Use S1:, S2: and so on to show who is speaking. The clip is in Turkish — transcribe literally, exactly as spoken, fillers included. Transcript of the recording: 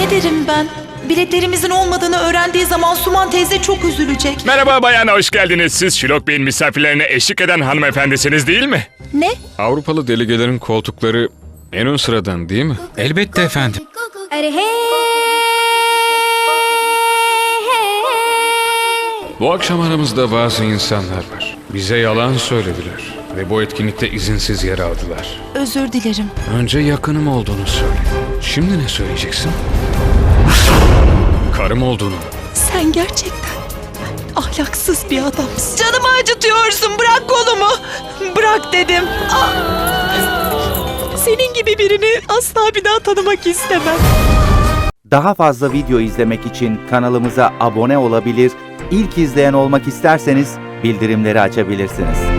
S1: Ne derim ben? Biletlerimizin olmadığını öğrendiği zaman Suman teyze çok üzülecek.
S2: Merhaba bayan, hoş geldiniz. Siz Şilok Bey'in misafirlerine eşlik eden hanımefendisiniz değil mi?
S1: Ne?
S3: Avrupalı delegelerin koltukları en ön sıradan değil mi?
S4: Elbette efendim.
S3: Bu akşam aramızda bazı insanlar var. Bize yalan söylediler ve bu etkinlikte izinsiz yer aldılar.
S1: Özür dilerim.
S3: Önce yakınım olduğunu söyle. Şimdi ne söyleyeceksin? Karım olduğunu.
S1: Sen gerçekten ahlaksız bir adamsın. Canımı acıtıyorsun. Bırak kolumu. Bırak dedim. Ah! Senin gibi birini asla bir daha tanımak istemem.
S5: Daha fazla video izlemek için kanalımıza abone olabilir, ilk izleyen olmak isterseniz bildirimleri açabilirsiniz.